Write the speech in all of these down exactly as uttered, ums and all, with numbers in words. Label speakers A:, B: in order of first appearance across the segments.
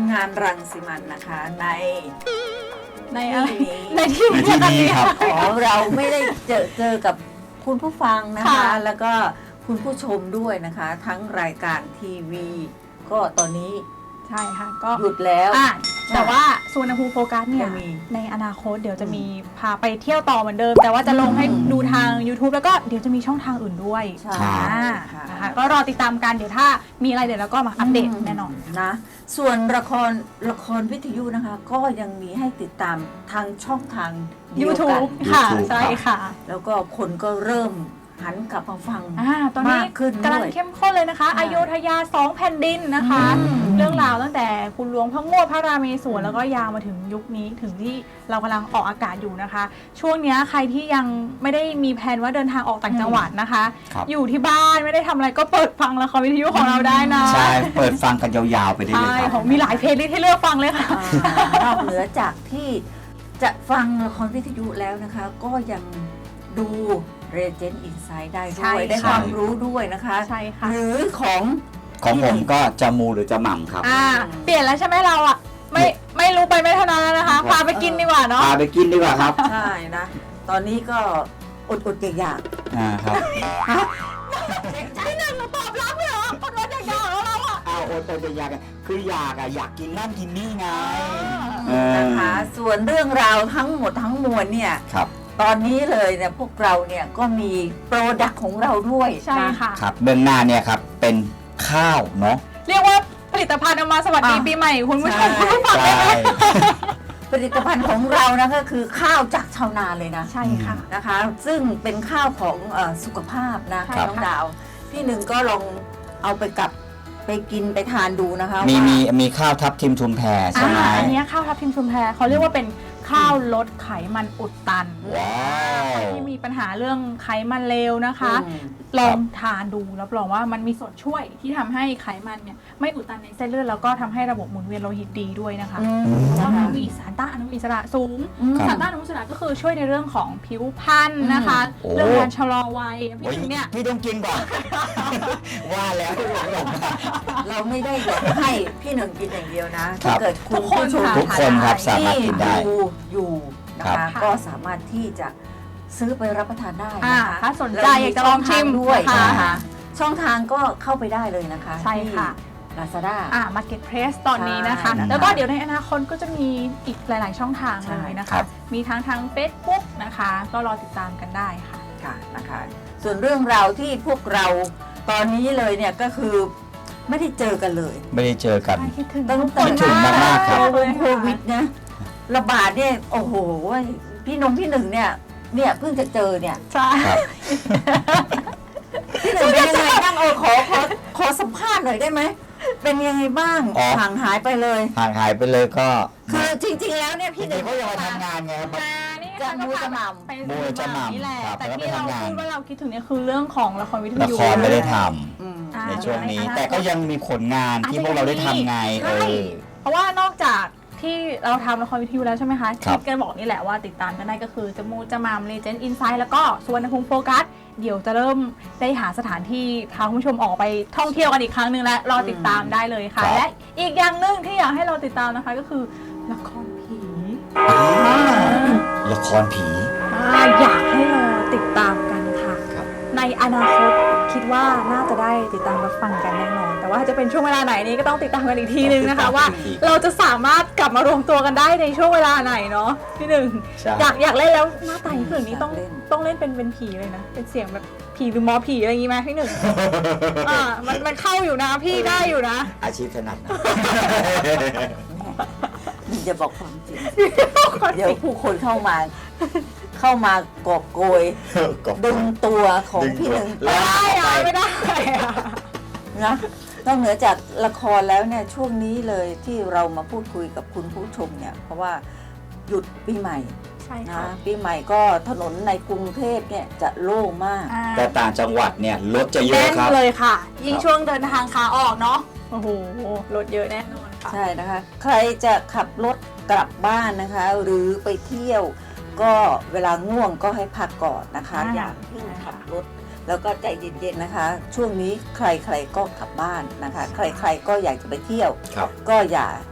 A: งานรังสิมันนะคะใน
B: ในอะไร
A: ที่นี้
B: ในที่
C: ในที่นี้ครับ
A: อ๋อเราไม่ได้เจอเจอกับคุณผู้ฟังนะคะ
B: ค่ะ
A: แล้วก็คุณผู้ชมด้วยนะคะ ทั้งรายการทีวี ก็ตอนนี้
B: ใช่ค่ะก็
A: หยุดแล้ว
B: อ่ะแต่ว่าสุวรรณภูมิโฟกัสเนี่ย
A: จะมี
B: ในอนาคตเดี๋ยวจะมีพาไปเที่ยวต่อเหมือนเดิม แต่ว่าจะลงให้ดูทาง YouTube แล้วก็เดี๋ยวจะมีช่องทางอื่นด้วย
A: ใช่
B: อ่า
A: ค่ะ
B: นะคะก็รอติดตามกันเดี๋ยวถ้ามีอะไรเดี๋ยวเราก็มาอัปเดตแน่นอน
A: นะ ส่วนละครละครวิทยุนะคะ ก็ยังมีให้ติดตามทางช่องทางเดียวกัน
B: YouTube ค่ะ
C: YouTube
B: ใช่ค่ะ
A: แล้วก็คนก็เริ่มหันกลับมาฟัง
B: อ่าตอนนี้
A: มากขึ้น
B: กำลัง
A: ด้วย
B: เข้มข้นเลยนะคะ
A: ใช่
B: อโยธยาสองแผ่นดินนะคะ
A: อืม
B: เรื่องราวตั้งแต่คุณหลวงพระโงษพระราเมศวรแล้วก็ยาวมาถึงยุคนี้ถึงที่เรากำลังออกอากาศอยู่นะคะ ช่วงเนี้ยใครที่ยังไม่ได้มีแผนว่าเดินทางออกต่างจังหวัดนะคะ
C: ครับ
B: อยู่ที่บ้านไม่ได้ทำอะไรก็เปิดฟังละครวิทยุของเราได้นะ
C: ใช่ เปิดฟังกันยาวๆไปได้เลย
B: ใช่
C: ครับ
B: ของมีหลายเพลย์ลิสต์ให้เลือกฟังเลยค่ะ
A: อ่านอกเหนือจากที่จะฟังละครวิทยุแล้วนะคะ ก็ยังดู Regent Insight ได้
B: ใช่
A: ด้วย ได้
B: ค่ะ
A: ความรู้ด้วยนะคะ
B: ใช่ค่ะ
A: หรือของ
C: ของผมก็จะมูหรือจะหม่ำครับ
B: อ่าเปลี่ยนแล้วใช่ไหมเราอ่ะไม่ไม่รู้ไปไม่เท่านั้นแล้วนะคะ พาไปกินดีกว่าเนาะ
C: พาไปกินดีกว่าครับ
A: ใช่นะ ตอนนี้ก็อดอดๆอยาก
C: อ่าครับ
B: พี่หนึ่งเราตอบรับเลยเหรอคนว่าจะยาวแล้วเราอ่ะ
C: เอาโอโตจะอยากอะคืออยากอะอยากกินนั่นกินนี่ไง เอ
A: ๆ
C: อ
A: นะคะ ส่วนเรื่องราวทั้งหมดทั้งมวลเนี่ย
C: ครับ
A: ตอนนี้เลยเนี่ยพวกเราเนี่ยก็มีโปรดักต์ของเราด้วย
B: ใช่
A: นะ
B: ค่ะ
C: ครับเบื้องหน้าเนี่ยครับเป็นข้าวเนาะ
B: เรียกว่าผลิตภัณฑ์เอามาสวัสดี
A: อ่ะ
B: ปีใหม่คุณผู้ชม
A: ใช่
B: คุณผู้ฟัง
C: ใช่
B: ได้ไหม
A: ผลิตภัณฑ์ของเรานะก็คือข้าวจากชาวนาเลยนะ
B: ใช่ค่ะ
A: นะคะ ซึ่งเป็นข้าวของเออสุขภาพนะ
B: ใช่
A: น้อง
B: ค่ะ
A: ดาว พี่หนึ่งก็ลองเอาไปกับไปกินไปทานดูนะคะ
C: มี
A: ว่า
C: มีมีข้าวทับทิมทุมแพรใช่ไหม
B: อ่าอันเนี้ยข้าวทับทิมชุมแพเขาเรียกว่าเป็นข้าวลดไขมันอุดตัน
C: ว้าว
B: ที่มีปัญหาเรื่องไขมันเลวนะคะ
A: อืม
B: ลองทานดูรับรองว่ามันมีส่วนช่วยที่ทำให้ไขมันเนี่ยไม่อุดตันในเส้นเลือดแล้วก็ทำให้ระบบหมุนเวียนโลหิตดีด้วยนะคะ
A: อืม
B: เพราะ
A: นะ
B: ว่ามั
A: คะ
B: นมีสารต้านอนุมูลอิสระสูง
A: อืม
B: สารต้านอนุมูลอิสระก็คือช่วยในเรื่องของผิวพรรณนะคะ
C: โอ้
B: เรื่องการชะลอวัยพี่
C: โอ้ย
B: ถึงเนี่ย
C: พี่ต้องกินก่อน ว่าแล้วหลังหลง
A: เราไม่ได้อยากให้พี่หนึ่งกินอย่างเดียวนะ
C: ครั
A: ถ้า
C: บ
A: เกิดคุณผู้ชม
C: ทุกคนครับสามารถกินได้
A: ที่ดูอยู่นะ
C: ครั
A: คะ
C: บ
A: ก็สามารถที่จะซื้อไปรับประทานได้
B: อ่า
A: นะคะ
B: ถ้าสนใจอยากจะลองชิม
A: ด้วย
B: นะคะ
A: นะคะช่องทางก็เข้าไปได้เลยนะคะ
B: ใช่ค่ะ
A: ที่ Lazada
B: อ่า Marketplace ตอนนี้นะคะ
A: ใช่นะคะ
B: แล้วก็เดี๋ยวในอนาคตก็จะมีอีกหลาย ๆ ช่องทาง
A: ใช่
B: เลยนะ
C: ครั
B: คะ
C: บ
B: มีทั้งทาง Facebook นะคะ ก็รอติดตามกันได้ค่ะ
A: ค่ะนะคะ ส่วนเรื่องราวที่พวกเราตอนนี้เลยเนี่ยก็คือไม่ได้เจอกันเลย
C: ไม่ได้เจอกัน
B: คิดถึง
A: ตั้ง
B: ทุก
A: แต่
B: คน
C: คิดถึงมากๆครับ
A: โควิดนะระบาดเนี่ยโอ้โหพี่นงพี่หนึ่งเนี่ยเนี่ยเพิ่งจะเจอเนี่ย
B: ใช่
C: ครับ
A: พี่หนึ่งเป็นยังไงบ้างเออขอขอขอสัมภาษณ์หน่อยได้ไหมเป็นยังไงบ้าง
C: อ๋อ
A: ห่างหายไปเลย
C: ห่างหายไปเลยก็
A: คือจริง ๆ แล้วเนี่ยพี่หนึ่ง
C: เขายังมาทำงานไงครับ
B: มานี่
A: จะ
B: ค่ะ
A: มูจะหม่ำ
B: ไป
C: มูจะหม่ำ
B: นี่แหละ
C: ครับ
B: แต่
C: แล้ว
B: ที่
C: ไป
B: เรา
C: ทำงาน
B: พูดว่าเราคิดถึงเนี่ยคือเรื่องของละครวิท
C: ละ
B: ยุ
C: ครไม่ได้ท
A: อืม
B: อ่า
C: ำในช่วงนี้
B: อ่า
C: แต่ก็ยังมีผลงานที่พวกเราได้ทำไงเอ
B: ใช่
C: อ
B: เพราะว่านอกจากที่เราทำละครวิทยุแล้วใช่ไหมคะ
C: ครับ
B: ที่แกบอกนี่แหละว่าติดตามกันได้ก็คือจะมูจะมามเลเจนด์อินไซด์แล้วก็สุวรรณภูมิโฟกัสเดี๋ยวจะเริ่มได้หาสถานที่พาคุณผู้ชมออกไปท่องเที่ยวกันอีกครั้งหนึ่งและรอติดตามได้เลยค่ะ
C: ครับ
B: และอีกอย่างหนึ่งที่อยากให้เราติดตามนะคะก็คือละครผี
C: ละครผี
B: อ่าอยากให้เราติดตามกันค่ะ
C: ครับ
B: ในอนาคตคิดว่าน่าจะได้ติดตามรับฟังกันแน่นอน แต่ว่าจะเป็นช่วงเวลาไหนนี้ก็ต้องติดตามกันอีกทีนึงนะคะ ว่าเราจะสามารถกลับมารวมตัวกันได้ในช่วงเวลาไหนเนาะพี่หนึ่ง
C: ใช่
B: อยากอยากเล่นแล้วหน้าตาพี่หนึ่งนี้ต้อง
A: อยากเล่น
B: ต้องเล่นเป็นเป็นผีเลยนะเป็นเสียงแบบผีหรือหมอผีอะไรอย่างงี้ไหมพี่หนึ่ง อ่ามันมันเข้าอยู่นะพี่ได้อยู่นะ
C: อาชีพถนัดนะ
A: นี่จะบอกความจริง เดี๋ยวผู้คนเข้ามา เข้ามากอบโกย ดึงตัวของพี่หนึ่ง
C: ดึ
A: ไป
C: งตัว
B: ได้อะไม่ได้อะ
A: นะนอกเหนือจากละครแล้วเนี่ยช่วงนี้เลยที่เรามาพูดคุยกับคุณผู้ชมเนี่ยเพราะว่าหยุดปีใหม่
B: ใช่
A: นะ
B: ค่ะ
A: ปีใหม่ก็ถนนในกรุงเทพเนี่ยจะโล่งมาก
B: อ่า
C: แต่ต่างจังหวัดเนี่ยรถจะเยอะ
B: แน่น
C: ครับ
B: เลยค่ะ ยิ่ง
C: ครับ
B: ช่วงเดินทางขาออกเนาะโอ้โหรถเยอะแน่นอนค่ะ
A: ใช่นะคะ ใครจะขับรถกลับบ้านนะคะ หรือไปเที่ยว ก็เวลาง่วงก็ให้พักก่อนนะคะ
B: อ่า
A: อย่าเพิ่งขับรถ แล้วก็ใจเย็นๆนะคะ ช่วงนี้ใครๆก็กลับบ้านนะคะ ใครๆก็อยากจะไปเที่ยว
C: ครับ
A: ก็อย่า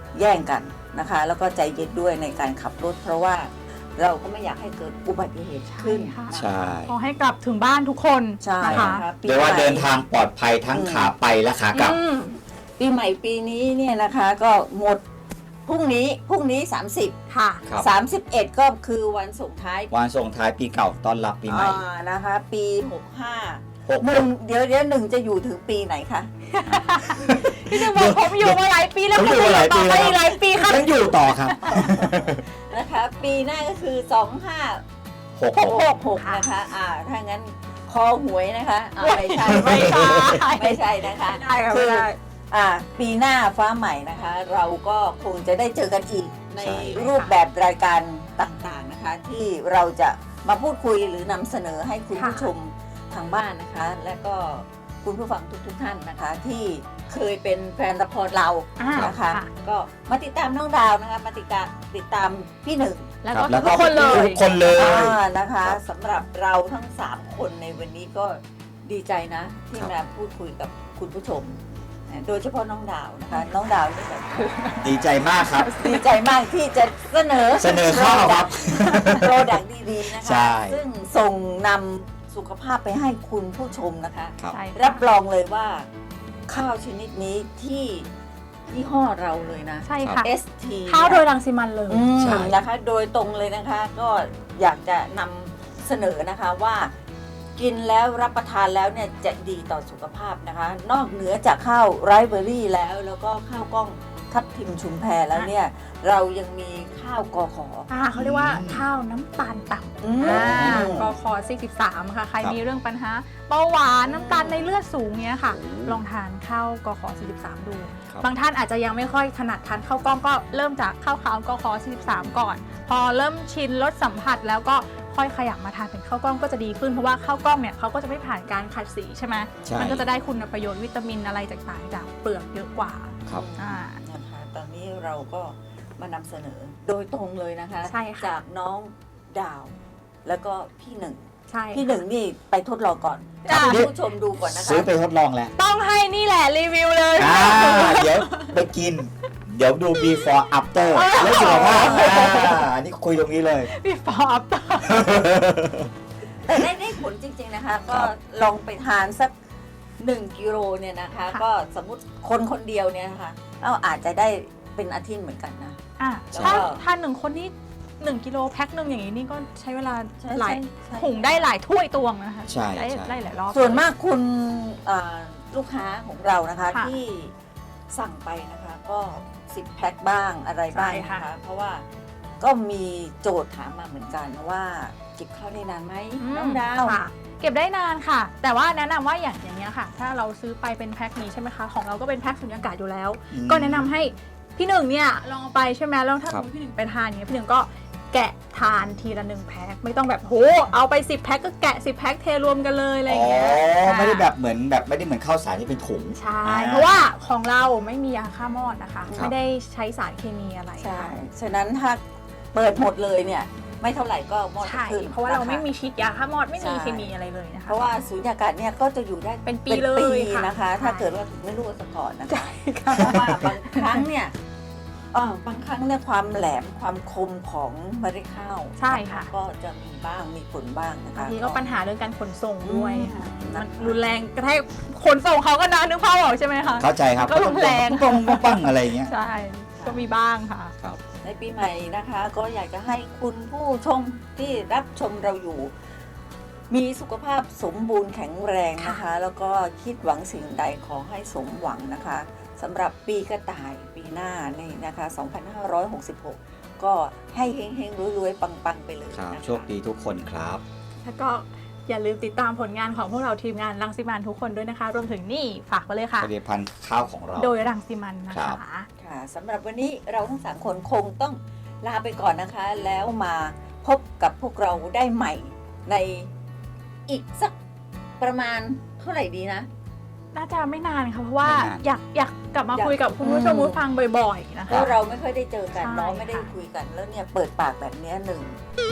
A: แย่งกันนะคะ แล้วก็ใจเย็นด้วยในการขับรถ เพราะว่าเราก็ไม่อยากให้เกิดอุบัติเหตุขึ้น
B: ใช่
A: นะคะ
C: ใช่
B: ขอให้กลับถึงบ้านทุกคน
A: ใช่
B: นะคะ
A: นะคะปี
C: เรียกว่า
A: ใหม่
C: เดินทางปลอดภัยทั้ง
A: อืม
C: ขาไปและขากลับ
B: อืม
A: ปีใหม่ปีนี้เนี่ยนะคะก็หมดพรุ่งนี้พรุ่งนี้ สามสิบ
B: ค่ะ
C: ครับ
A: สามสิบเอ็ด ก็คือวันส่งท้าย
C: วันส่งท้ายปีเก่าต้อนรับปีใหม่
A: อ่านะคะ ปีหกห้า
C: หก
A: หนึ่งเดี๋ยวเดี๋ยวหนึ่งจะอยู่ถึงปีไหนคะ
B: พี่หนึ่งบอกผมอยู่มาหลายปีแล้ว
C: ผม
B: ผม
C: อยู่มาหลายปี
B: ต่อไป
C: แล้ว
B: อีกหลายปีครับ
C: ยังอยู่ต่อครับ
A: นะคะ ปีหน้าก็คือสองห้า
C: หก
A: ห
C: ห
A: ก
C: ก
A: หกหกนะคะอ่าถ้างั้นคอหวยนะคะอ่าไม่ใช่
B: ไม่ใช่
A: ไม่ใช่นะคะ
B: ไม่ได้ค่ะ
A: คื
B: ไม่
A: อ
B: ได้
A: อ่าปีหน้าฟ้าใหม่นะคะ เราก็คงจะได้เจอกันอีกใน
C: ใช่
A: รูปแบบรายการต่างๆนะคะ ที่เราจะมาพูดคุยหรือนำเสนอให้คุณผู้ชมทางบ้านนะคะ และก็คุณผู้ฟังทุกๆท่านนะคะ ที่เคยเป็นแฟนละครเรา
B: อ่า
A: นะคะ
B: ค่ะ
A: ก็มาติดตามน้องดาวนะคะมาติดตามติดตามพี่หนึ่ง
B: แล้ว
C: ครั
B: ก็
C: บแล้ว
B: ทุ
C: ก็
B: กคนเลย
C: ทุกคนเลย
A: อ่านะคะ
C: ครับ
A: สำหรับเราทั้งสามคนในวันนี้ก็ดีใจนะ ที่
C: ครับ
A: มาพูดคุยกับคุณผู้ชม โดยเฉพาะน้องดาวนะคะ น้องดาวนี่แบบ
C: ดีใจมากครับ
A: ดีใจมากที่จะเสนอ
C: เสนอข้าวครับ
A: โปรดักต์ดีๆนะ
C: ใช่
A: คะ ซึ่งส่งนำสุขภาพไปให้คุณผู้ชมนะคะ
C: ครับ
B: ใช่
A: รับรองเลยว่าข้าวชนิดนี้ที่ยี่ห้อเราเลยนะ
B: ใช่ค่ะ
A: เอส ที
B: ข้าวโดยรังสิมันเลย
A: อืม
C: ใช่
A: นะคะ โดยตรงเลยนะคะ ก็อยากจะนำเสนอนะคะว่า กินแล้วรับประทานแล้วเนี่ยจะดีต่อสุขภาพนะคะ นอกเหนือจากข้าวไรซ์เบอร์รี่แล้ว แล้วก็ข้าวกล้องทับทิมชุมแพแล้วเนี่ย เรายังมีข้าวกอขอ
B: อ่าเขาเรียกว่าข้าวน้ำตาลต่
A: อืม
B: ำอ่ากคสี่สิบสามค่ะ ใคร
C: ครับ
B: มีเรื่องปัญหาเบาหวานน้ำตาลในเลือดสูงเนี้ยค่ะ ลองทานข้าวกคสี่สิบสามดู
C: ครับ
B: บางท่านอาจจะยังไม่ค่อยถนัดทานข้าวกล้องก็เริ่มจากข้าวขาวกคสี่สิบสามก่อน พอเริ่มชินรสสัมผัสแล้วก็ค่อยขยับมาทานเป็นข้าวกล้องก็จะดีขึ้นเพราะว่าข้าวกล้องเนี่ยเขาก็จะไม่ผ่านการขัดสีใช่ไหม
C: ใช่
B: มันก็จะได้คุณประโยชน์วิตามินอะไรต่างๆจากเปลือกเยอะกว่า
C: ครับ
B: อ่า
A: นะคะตอนนี้เราก็มานำเสนอโดยตรงเลยนะคะ
B: ใช่ค่ะ
A: จากน้องดาว แล้วก็พี่หนึ่ง
B: ใช่
A: พี่หนึ่งนี่ไปทดลองก่อน
B: จ้ะ
A: ให้ผู้ชมดูก่อนนะคะ
C: ซื้อไปทดลองแล้ว
B: ต้องให้นี่แหละรีวิวเลย
C: อ่าเดี๋ยวไปกิน เดี๋ยวดู before after แล้วสุขภาพอ่าอันนี้คุยตรงนี้เลย
B: พี่ฟอบ
A: แต่ได้ได้ผลจริง ๆนะคะ ก็
C: ครับ
A: ลองไปทานสักหนึ่งกิโลเนี่ยนะคะ
B: ค่ะ
A: ก็สมมติคนคนเดียวเนี่ยนะคะเราอาจจะได้เป็นอาทิตย์เหมือนกันนะ
B: อ่ะ
C: ใช่
B: ถ้าทานหนึ่งคนนี่หนึ่งกิโลแพ็คหนึ่งอย่างนี้นี่ก็ใช้เวลา
A: ใช่
B: หลาย
A: ใช่ใช่
B: หุงได้หลายถ้วยตวงนะคะ
C: ใช่
B: ได้
C: ใช่
B: ได้หลายรอบ
A: ส่วนมากคุณอ่าลูกค้าของเรานะคะ
B: ค่ะ
A: ที่สั่งไปนะคะ ก็สิบแพ็คบ้างอะไรบ้าง
B: ใช่
A: นะ
B: ค่ะ
A: คะ เพราะว่าก็มีโจทย์ถามมาเหมือนกันว่าเก็บข้าวได้นานไหม
B: อืม
A: น้องดาว
B: ค่ะ เก็บได้นานค่ะ แต่ว่าแนะนำว่าอย่างอย่างเงี้ยค่ะ ถ้าเราซื้อไปเป็นแพ็คนี้ใช่ไหมคะ ของเราก็เป็นแพ็คสุญญากาศอยู่แล้ว
C: อืม
B: ก็แนะนำให้พี่หนึ่งเนี่ยลองเอาไปใช่ไหมแล้วถ้า
C: ค
B: ส
C: รั
B: ม
C: บ
B: มติพี่หนึ่งไปทานอย่างเงี้ยพี่หนึ่งก็แกะทานทีละหนึ่งแพ็คไม่ต้องแบบโหเอาไปสิบแพ็คก็แกะสิบแพ็คเทรวมกันเลยอะไรอ
C: อ๋อย่าง
B: เงี้ย
C: ไม่ได้
B: ค่ะ
C: แบบเหมือนแบบไม่ได้เหมือนข้าวสารที่เป็นถุง
B: ใช่
C: อ่า
B: เพราะว่าของเราไม่มียาฆ่ามอดนะคะ
C: ครับ
B: ไม่ได้ใช้สารเคมีอะไร
A: ใช่
B: ค่ะ
A: ฉะนั้นถ้าเปิดหมดเลยเนี่ย ไม่เท่าไหร่ก็หมด
B: ใช่
A: ขึ้น
B: เพราะว่าเรา
A: นค
B: ไม่มีฉีดยาฆ่ามอดไม่มี
A: ใช่
B: เคมีอะไรเลยนะคะ
A: เพราะว่าสูญญากาศเนี่ยก็จะอยู่ได้
B: เป็นปีเลยค่ะ
A: นะคะ
B: ใช่
A: ถ้าเกิดว่าไม่รู้ซะก่อนนะคะ
B: ใช่ค่ะ
A: เพราะว่าบางครั้งเนี่ยเออบางครั้งเนี่ยความแหลมความคมของเมล็ดข้าว
B: ใช่ค่ะ
A: ก็จะมีบ้างมีผลบ้างนะ
B: บา
A: คะ
B: งทีก็ปัญหาเรื่องการขนส่งด้วยค่ะ
A: อืม
B: มันรุนแรงกระแทกขนส่งเขาก็นะนึกภาพออกใช่ไหมคะ
C: เข้าใจครับ
B: ก็รุนแรง
C: ปังปังปังอะไรอย่างเงี้ย
B: ใช่ ก็มีบ้างค่ะ
C: ครับ
A: ในปีใหม่นะคะ ก็อยากจะให้คุณผู้ชมที่รับชมเราอยู่ มีสุขภาพสมบูรณ์แข็งแรงนะคะ แล้วก็คิดหวังสิ่งใดขอให้สมหวังนะคะสำหรับปีกระต่ายปีหน้านี่นะคะ สองพันห้าร้อยหกสิบหก ก็ให้เฮงๆรวยๆปังๆไปเลย
C: ครับ
A: นะคะ
C: โชคดีทุกคนครับ
B: แล้วก็อย่าลืมติดตามผลงานของพวกเราทีมงานรังสิมันทุกคนด้วยนะคะ รวมถึงนี่ฝากไว้เลยค่ะ
C: ผลิตภัณฑ์ข้าวของเรา
B: โดยรังสิมันนะ
C: ครั
B: คะ
C: บ
A: ค่ะสำหรับวันนี้เราทั้งสามคนคงต้องลาไปก่อนนะคะ แล้วมาพบกับพวกเราได้ใหม่ในอีกสักประมาณเท่าไหร่ดีนะ
B: น่าจะไม่นานค่ะเพราะว่า
C: ไม่นาน
B: อยากอยากกลับมา
A: อยาก
B: คุยกับคุณผู้ชม
A: อืม
B: ผู้ฟังบ่อยๆนะ
A: เพ
B: คะ
A: ราะเราไม่ค่อยได้เจอกัน
B: ใช่
A: เนาะไม่ได้
B: ค่ะ
A: คุยกันแล้วเนี่ยเปิดปากแบบเนี้ยหนึ่ง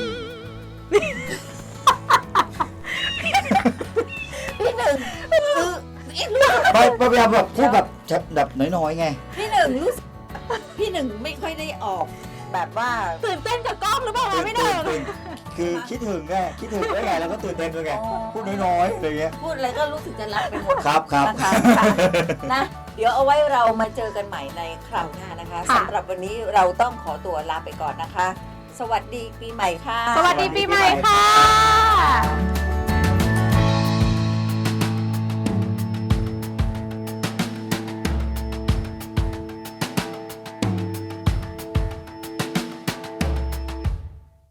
A: พี่หนึ่งคืออีกเรื่อง
C: ไม่ไม่พยายามแบบพูดแบบแบบน้อยๆไง
A: พี่หนึ่งรู้สึกพี่หนึ่งไม่ค่อยได้ออกแบบว่า
B: ตื่นเต้นกับกล้องหรือเปล่าคะพี่หนึ่ง
C: ตื่นคือคิดถึงไงคิดถึงได้ไงแล้วก็ตื่นเต้นด้วยไงพูดน้อยๆอะไรเงี้ย
A: พูดอะไรก็รู้สึกจะรักไปหมด
C: ครับครับ
A: นะคะค่ะนะเดี๋ยวเอาไว้เรามาเจอกันใหม่ในคราวหน้านะคะ
B: ค่ะ
A: สำหรับวันนี้เราต้องขอตัวลาไปก่อนนะคะ สวัสดีปีใหม่ค่ะ
B: สวัสดีปีใหม่ค่ะ